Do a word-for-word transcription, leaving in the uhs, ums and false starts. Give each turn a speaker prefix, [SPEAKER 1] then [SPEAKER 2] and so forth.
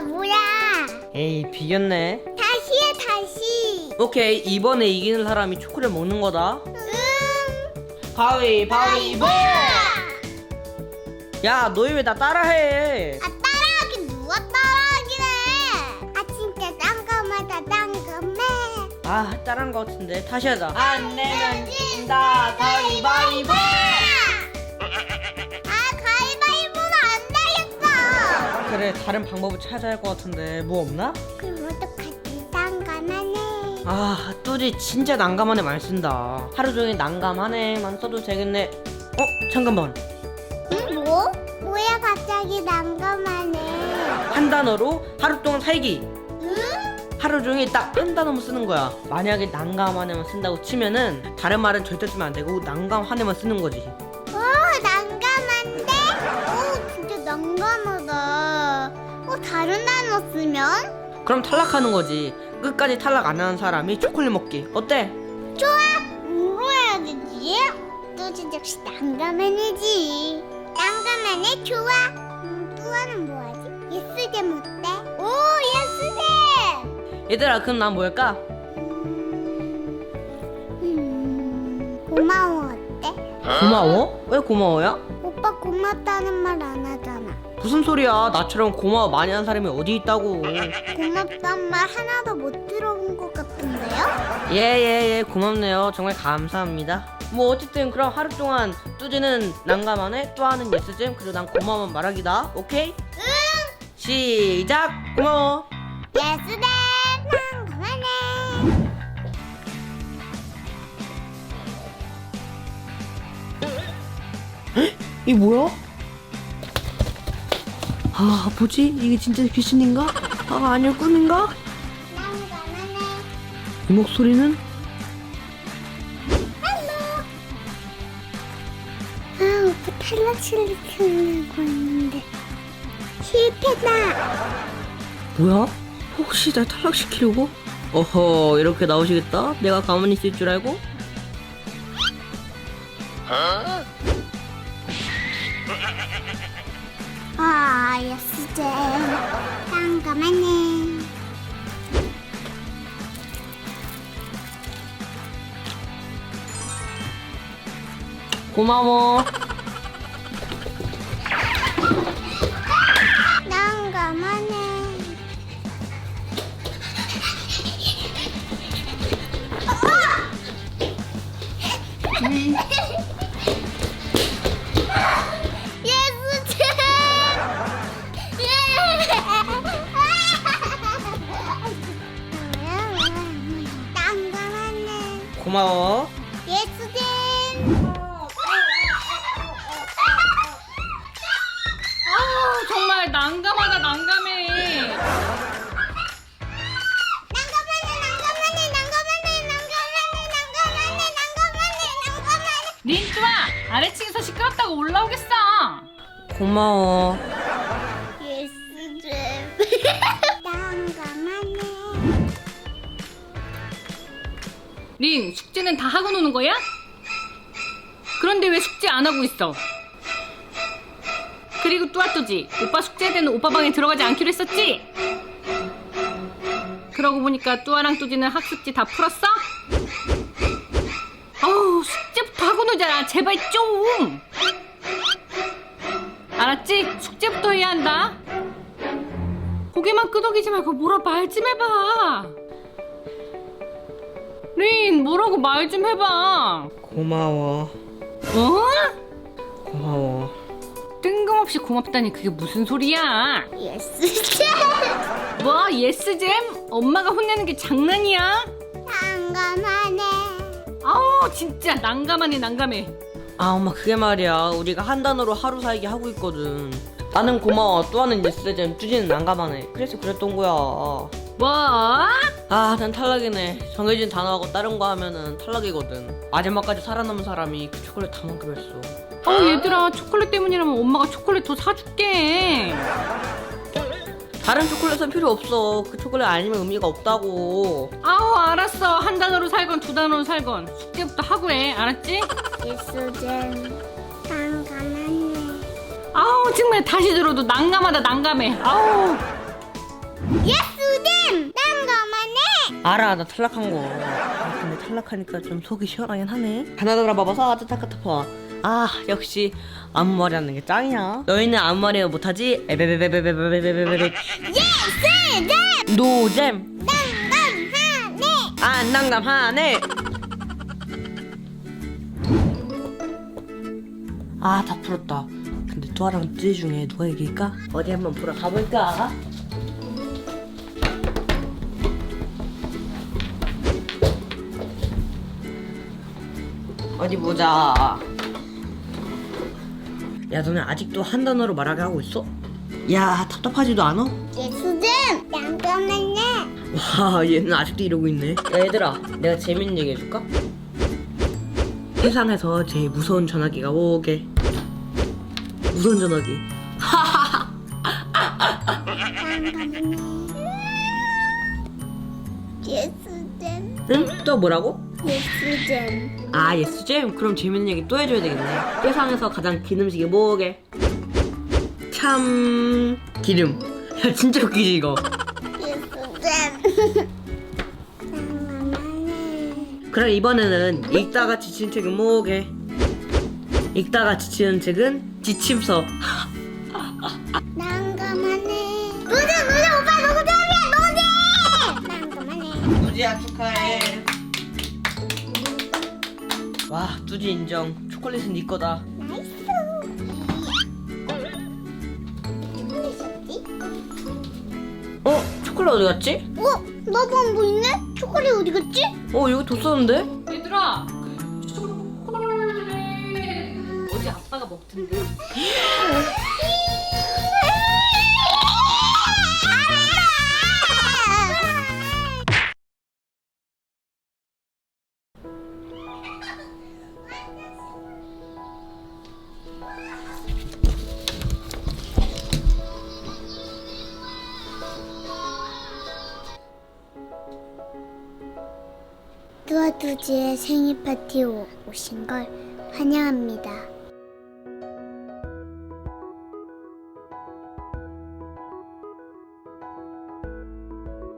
[SPEAKER 1] 바보야.
[SPEAKER 2] 에이, 비겼네.
[SPEAKER 1] 다시 해, 다시.
[SPEAKER 2] 오케이, 이번에 이기는 사람이 초콜릿 먹는 거다.
[SPEAKER 1] 응.
[SPEAKER 2] 가위바위보! 야, 너희 왜 나 따라해?
[SPEAKER 1] 아, 따라하긴 누가 따라하긴 해. 아, 진짜 딴거마다 딴거매.
[SPEAKER 2] 아, 따라한 거 같은데. 다시 하자. 안 내면 진다. 가위바위보!
[SPEAKER 1] 아, 가위바위보는 안 되겠어.
[SPEAKER 2] 그래, 다른 방법을 찾아야 할 것 같은데. 뭐 없나?
[SPEAKER 1] 그럼 어떡하지? 딴거만 해.
[SPEAKER 2] 아, 뚜지 진짜 난감하네 많이 쓴다. 하루 종일 난감하네만 써도 되겠네. 어? 잠깐만.
[SPEAKER 1] 응, 뭐? 뭐야, 갑자기 난거만 해.
[SPEAKER 2] 한 단어로 하루 동안 살기.
[SPEAKER 1] 응?
[SPEAKER 2] 하루 종일 딱 한 단어만 쓰는 거야. 만약에 난감하네만 쓴다고 치면은 다른 말은 절대 쓰면 안 되고 난감하네만 쓰는 거지.
[SPEAKER 1] 오, 난감한데? 오, 진짜 난감하다. 어, 다른 단어 쓰면?
[SPEAKER 2] 그럼 탈락하는 거지. 끝까지 탈락 안 하는 사람이 초콜릿 먹기. 어때?
[SPEAKER 1] 좋아! 뭐로 해야 되지? 또 진짜 역시 난감해내지. 난감해내 좋아. 음, 또 하는 뭐 하지? 예스잼 어때? 오, 예스잼!
[SPEAKER 2] 얘들아, 그럼 난 뭐 할까?
[SPEAKER 1] 음, 고마워 어때?
[SPEAKER 2] 고마워? 왜 고마워야?
[SPEAKER 1] 오빠 고맙다는 말 안 하잖아.
[SPEAKER 2] 무슨 소리야? 나처럼 고마워 많이 하는 사람이 어디 있다고.
[SPEAKER 1] 고맙단 말 하나도 못 들어본 것 같은데요?
[SPEAKER 2] 예예예, 고맙네요. 정말 감사합니다. 뭐 어쨌든 그럼 하루 동안 뚜지는 난감하네, 뚜아는 예스잼, 그리고 난 고마워 말하기다. 오케이?
[SPEAKER 1] 응!
[SPEAKER 2] 시작! 고마워.
[SPEAKER 1] 예스잼! 난감하네.
[SPEAKER 2] 이게 뭐야? 아, 뭐지? 이게 진짜 귀신인가? 아, 아니요, 꿈인가?
[SPEAKER 1] 난감하네.
[SPEAKER 2] 이 목소리는?
[SPEAKER 1] 아, 오빠 탈락시키려고 했는데 실패다.
[SPEAKER 2] 뭐야? 혹시 날 탈락시키려고? 어허, 이렇게 나오시겠다? 내가 가만히 있을 줄 알고?
[SPEAKER 1] 아, 예스잼. 난감하네.
[SPEAKER 2] 고마워.
[SPEAKER 1] 난감하네. 예스잼! 난감하네.
[SPEAKER 2] 고마워.
[SPEAKER 1] 예스잼!
[SPEAKER 3] 아 정말 난감하다 난감해.
[SPEAKER 1] 난감하네, 난감하네, 난감하네, 난감하네, 난감하네, 난감하네, 난감하네.
[SPEAKER 3] 린뚜아 아래층에서 시끄럽다고 올라오겠어.
[SPEAKER 2] 고마워.
[SPEAKER 1] 예스잼. 난감하네.
[SPEAKER 3] 린 숙제는 다 하고 노는 거야? 그런데 왜 숙제 안 하고 있어? 그리고 뚜아뚜지 오빠 숙제할 때는 오빠 방에 들어가지 않기로 했었지? 그러고 보니까 뚜아랑 뚜지는 학습지 다 풀었어? 어우 숙제부터 하고 놀자 제발 좀. 알았지? 숙제부터 해야 한다. 고개만 끄덕이지 말고 뭐라 말 좀 해봐. 린 뭐라고 말 좀 해봐.
[SPEAKER 2] 고마워.
[SPEAKER 3] 어?
[SPEAKER 2] 고마워.
[SPEAKER 3] 뜬금없이 고맙다니 그게 무슨 소리야?
[SPEAKER 1] 예스잼.
[SPEAKER 3] 뭐 예스잼? 엄마가 혼내는 게 장난이야?
[SPEAKER 1] 난감하네.
[SPEAKER 3] 아우 진짜 난감하네 난감해.
[SPEAKER 2] 아, 엄마, 그게 말이야. 우리가 한 단어로 하루 살기 하고 있거든. 나는 고마워, 뚜아는 예스잼, 뚜지는 난감하네. 그래서 그랬던 거야.
[SPEAKER 3] 뭐?
[SPEAKER 2] 아, 난 탈락이네. 정해진 단어하고 다른 거 하면은 탈락이거든. 마지막까지 살아남은 사람이 그 초콜릿 다 먹기로 했어.
[SPEAKER 3] 아우 얘들아 초콜릿 때문이라면 엄마가 초콜릿 더 사줄게.
[SPEAKER 2] 다른 초콜릿은 필요 없어. 그 초콜릿 아니면 의미가 없다고.
[SPEAKER 3] 아우 알았어. 한 단어로 살건 두 단어로 살건 숙제부터 하고 해. 알았지?
[SPEAKER 1] 예스잼. 난감하네.
[SPEAKER 3] 아우 정말 다시 들어도 난감하다 난감해. 아우
[SPEAKER 1] 예스잼 난감하네.
[SPEAKER 2] 알아, 나 탈락한 거. 아, 근데 탈락하니까 좀 속이 시원하긴 하네. 하나 더 돌아봐봐서 따뜻하고. 아, 역시 아무 말이 하는 게 짱이야. 너희는 아무 말이나 못하지? 에베베베베베베베베베.
[SPEAKER 1] 예스잼
[SPEAKER 2] 노잼.
[SPEAKER 1] 난감하네.
[SPEAKER 2] 안 난감하네. 아, 다 풀었다. 근데 뚜아랑 뚜지 중에 누가 이길까? 어디 한번 보러 가볼까? 어디 보자. 야, 너네 아직도 한 단어로 말하게 하고 있어? 야, 답답하지도 않아?
[SPEAKER 1] 예스잼 난감하네.
[SPEAKER 2] 와, 얘는 아직도 이러고 있네. 야, 얘들아, 내가 재밌는 얘기 해줄까? 세상에서 제일 무서운 전화기가 뭐게? 무서운 전화기.
[SPEAKER 1] 예스잼
[SPEAKER 2] 응? 또 뭐라고?
[SPEAKER 1] 예스잼
[SPEAKER 2] 아, 예스잼? 그럼 재밌는 얘기 또 해줘야 되겠네. 세상에서 가장 긴 음식이 뭐게? 참... 기름. 야, 진짜 웃기지 이거?
[SPEAKER 1] 예스잼 난감하네.
[SPEAKER 2] 그럼 이번에는 읽다가 지친 책은 뭐게? 읽다가 지치는 책은 지침서.
[SPEAKER 1] 난감하네. 노잼 노잼 오빠 노잼이야 노잼. 난감하네.
[SPEAKER 2] 뚜지야, 축하해. 와, 뚜지 인정. 초콜릿은 네 거다.
[SPEAKER 1] 나이스. 초콜릿이었지?
[SPEAKER 2] 어? 초콜릿 어디 갔지?
[SPEAKER 1] 어? 나도 안 보이네? 초콜릿 어디 갔지?
[SPEAKER 2] 어, 여기 뒀었는데?
[SPEAKER 3] 얘들아 초콜릿 어제 아빠가 먹던데.
[SPEAKER 1] 뚜아뚜지의 생일 파티에 오- 오신 걸 환영합니다.